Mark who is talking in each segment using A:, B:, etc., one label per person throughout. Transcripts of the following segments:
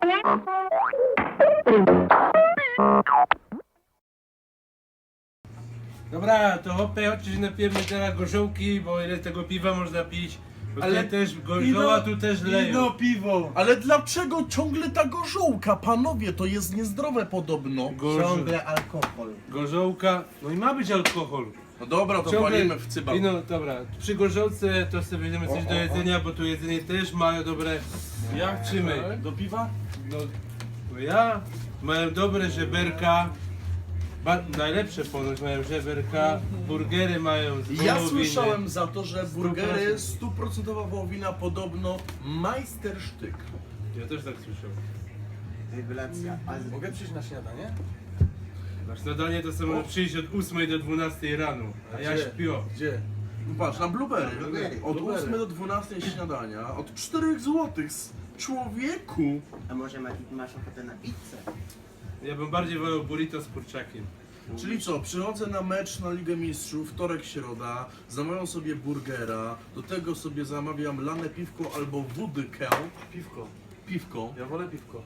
A: Dobra, to chodźcie się napijemy teraz gorzołki, bo ile tego piwa można pić. Bo
B: Ale
A: ale też gorzoła tu też leją.
B: piwo.
C: Ale dlaczego ciągle ta gorzołka? Panowie, to jest niezdrowe podobno.
B: Ciągle alkohol.
A: Gorzołka, no i ma być alkohol.
C: No dobra, to palimy w cyba.
A: I no dobra, przy gorzołce to sobie weźmiemy coś do jedzenia, bo tu jedzenie też mają dobre. Jak czy my?
C: Do piwa?
A: No ja mają dobre żeberka. Najlepsze ponoć mają żeberka, burgery mają z
C: Ja
A: wołowiny.
C: słyszałem za to, że burgery 100% wołowina podobno majstersztyk.
A: Ja też tak słyszałem.
B: Rewelacja. Ale mogę przyjść na śniadanie?
A: Na śniadanie to sobie przyjść od 8 do 12 rano, a ja
C: Gdzie?
A: śpię.
C: Gdzie? No patrz, na blueberry.
B: Blueberry.
C: Od
A: Blueberry.
C: 8 do 12 śniadania, od 4 zł. Człowieku!
B: A może masz ochotę na pizzę?
A: Ja bym bardziej wolał burrito z kurczakiem.
C: Czyli co, przychodzę na mecz na Ligę Mistrzów, wtorek, środa, zamawiam sobie burgera, do tego sobie zamawiam lane piwko albo wódkę.
A: Piwko.
C: Piwko.
A: Ja wolę piwko.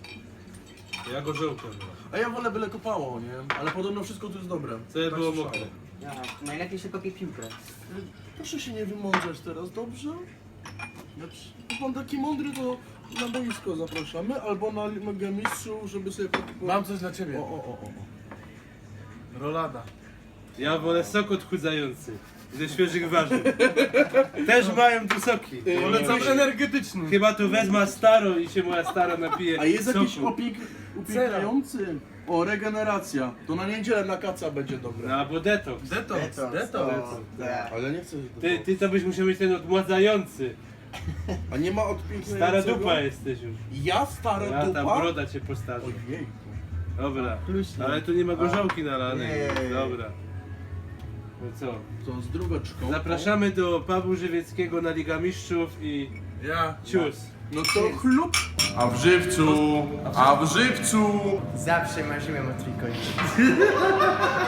A: Ja gorzołkę.
C: A ja wolę byle kopało, nie? Ale podobno wszystko tu jest dobre.
A: Co
C: Tak
A: było
C: słyszałem.
A: mokre.
B: Ja, najlepiej się kopie piłkę.
C: Proszę się nie wymądrzać teraz, dobrze? Jak pan taki mądry, to na boisko zapraszamy, albo na Ligę Mistrzów, żeby sobie...
D: Mam coś dla ciebie.
C: O.
D: Rolada.
A: Ja wolę sok odchudzający. Ze świeżych warzyw. Też mają tu soki.
D: Polecam energetyczny.
A: Chyba tu wezmę staro i się moja stara napije.
C: A jest jakiś
A: soku.
C: upiekający? O, regeneracja. To na niedzielę na kaca będzie dobre.
A: No albo detoks.
D: Detoks.
B: Tak.
C: Ale nie chcę...
A: Ty to byś musiał mieć ten odmładzający.
C: A nie ma odpięknego?
A: Stara dupa jesteś już.
C: Ja stara
A: Ja
C: dupa?
A: ta broda cię postarzy.
C: Ojej.
A: Dobra.
B: Kluśnie.
A: Ale tu nie ma gorzołki nalanej.
B: Nie.
A: Dobra. No co?
C: To z drugeczką.
A: Zapraszamy do pubu żywieckiego na Liga Mistrzów i
D: Ja.
A: cius.
C: No to chlub. A w żywcu. A w żywcu.
B: Zawsze marzyłem o trójkącie.